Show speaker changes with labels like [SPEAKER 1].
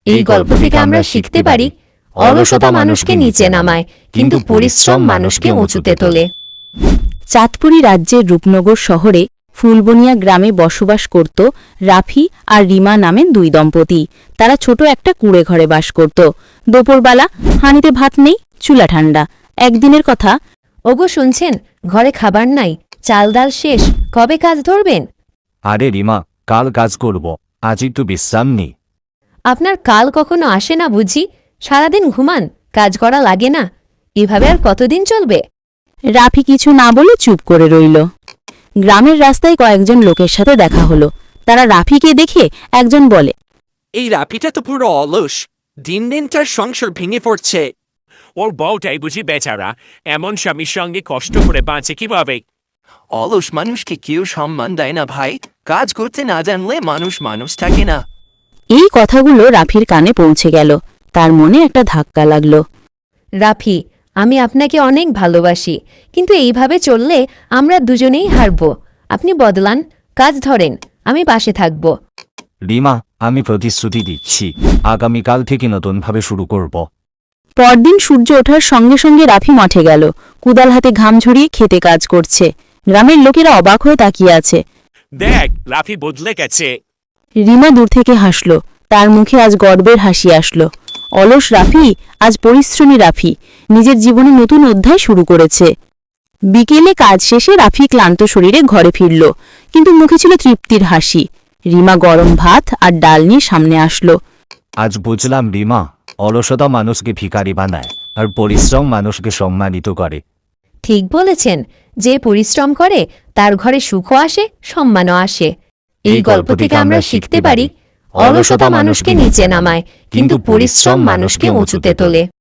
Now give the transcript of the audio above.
[SPEAKER 1] এই গল্প থেকে আমরা শিখতে পারি অলসতা মানুষকে নিচে নামায় কিন্তু পরিশ্রম মানুষকে উঁচুতে তোলে।
[SPEAKER 2] চাঁদপুরি রাজ্যের রূপনগর শহরে ফুলবনিয়া গ্রামে বসবাস করত রাফি আর রিমা নামের দুই দম্পতি। তারা ছোট একটা কুঁড়ে ঘরে বাস করত। দুপুরবেলা হাঁড়িতে ভাত নেই, চুলা ঠান্ডা। একদিনের কথা,
[SPEAKER 1] ওগো শুনছেন, ঘরে খাবার নাই, চাল ডাল শেষ, কবে কাজ ধরবেন?
[SPEAKER 3] আরে রিমা, কাল কাজ করব, আজ একটু বিশ্রাম নি।
[SPEAKER 1] আপনার কাল কখনো আসে না বুঝি? সারাদিন ঘুমান, কাজ করা লাগে না? এভাবে আর কতদিন চলবে?
[SPEAKER 2] রাফি কিছু না বলে চুপ করে রইল। গ্রামের রাস্তায় কয়েকজন লোকের সাথে দেখা হলো। তারা রাফিকে দেখে একজন বলে,
[SPEAKER 4] এই রাপিটা তো পুরো অলস, দিন দিন তার সংসার ভেঙে পড়ছে।
[SPEAKER 5] ওর বউটাই বুঝি বেচারা, এমন স্বামীর সঙ্গে কষ্ট করে বাঁচে কিভাবে?
[SPEAKER 4] অলস মানুষকে কেউ সম্মান দেয় না ভাই, কাজ করতে না জানলে মানুষ থাকে না।
[SPEAKER 2] এই কথাগুলো রাফির কানে পৌঁছে গেল। তার মনে একটা ধাক্কা লাগলো।
[SPEAKER 1] রাফি, আমি আপনাকে অনেক ভালোবাসি, কিন্তু এইভাবে চললে আমরা দুজনেই হারব। আপনি বদলান, কাজ ধরেন, আমি পাশে থাকব।
[SPEAKER 3] রিমা, আমি প্রতিশ্রুতি দিচ্ছি, আগামীকাল থেকে নতুনভাবে শুরু করব।
[SPEAKER 2] পরদিন সূর্য ওঠার সঙ্গে সঙ্গে রাফি মাঠে গেল। কুদাল হাতে ঘাম ঝরিয়ে খেতে কাজ করছে। গ্রামের লোকেরা অবাক হয়ে তাকিয়ে আছে।
[SPEAKER 5] দেখ, রাফি বদলে গেছে।
[SPEAKER 2] রিমা দূর থেকে হাসল। তার মুখে আজ গর্বের হাসি আসলো। অলস রাফি আজ পরিশ্রমী রাফি, নিজের জীবনে নতুন অধ্যায় শুরু করেছে। বিকেলে কাজ শেষে রাফি ক্লান্ত শরীরে ঘরে ফিরল, কিন্তু মুখে ছিল তৃপ্তির হাসি। রিমা গরম ভাত আর ডাল নিয়ে সামনে আসলো।
[SPEAKER 3] আজ বুঝলাম রিমা, অলসতা মানুষকে ভিখারি বানায় আর পরিশ্রম মানুষকে সম্মানিত করে।
[SPEAKER 1] ঠিক বলেছেন, যে পরিশ্রম করে তার ঘরে সুখও আসে, সম্মানও আসে। এই গল্প থেকে আমরা শিখতে পারি অলসতা মানুষকে নিচে নামায় কিন্তু পরিশ্রম মানুষকে উঁচুতে তোলে।